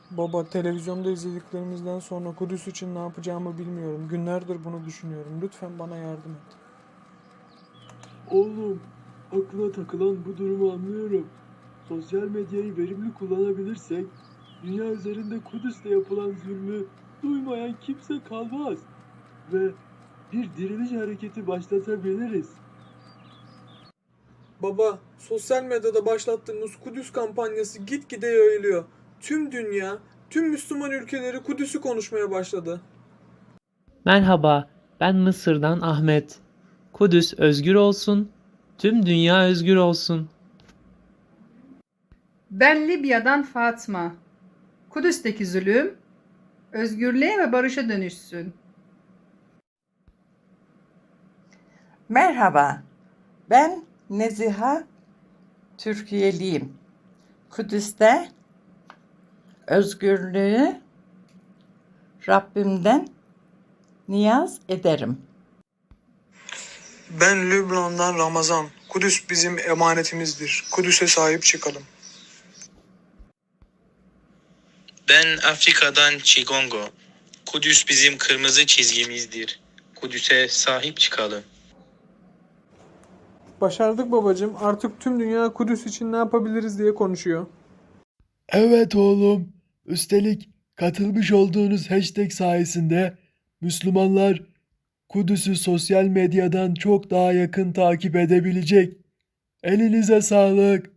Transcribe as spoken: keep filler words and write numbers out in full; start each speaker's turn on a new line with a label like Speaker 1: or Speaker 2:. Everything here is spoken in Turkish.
Speaker 1: Baba, televizyonda izlediklerimizden sonra Kudüs için ne yapacağımı bilmiyorum. Günlerdir bunu düşünüyorum. Lütfen bana yardım et.
Speaker 2: Oğlum, aklına takılan bu durumu anlıyorum. Sosyal medyayı verimli kullanabilirsek, dünya üzerinde Kudüs'te yapılan zulmü duymayan kimse kalmaz ve bir diriliş hareketi başlatabiliriz.
Speaker 1: Baba, sosyal medyada başlattığımız Kudüs kampanyası gitgide yayılıyor. Tüm dünya, tüm Müslüman ülkeleri Kudüs'ü konuşmaya başladı.
Speaker 3: Merhaba, ben Mısır'dan Ahmet. Kudüs özgür olsun, tüm dünya özgür olsun.
Speaker 4: Ben Libya'dan Fatma. Kudüs'teki zulüm özgürlüğe ve barışa dönüşsün.
Speaker 5: Merhaba, ben Neziha, Türkiyeliyim. Kudüs'te özgürlüğü Rabbimden niyaz ederim.
Speaker 1: Ben Lübnan'dan Ramazan. Kudüs bizim emanetimizdir. Kudüs'e sahip çıkalım.
Speaker 6: Ben Afrika'dan Chigongo. Kudüs bizim kırmızı çizgimizdir. Kudüs'e sahip çıkalım.
Speaker 1: Başardık babacığım. Artık tüm dünya Kudüs için ne yapabiliriz diye konuşuyor.
Speaker 2: Evet oğlum, üstelik katılmış olduğunuz hashtag sayesinde Müslümanlar Kudüs'ü sosyal medyadan çok daha yakın takip edebilecek. Elinize sağlık.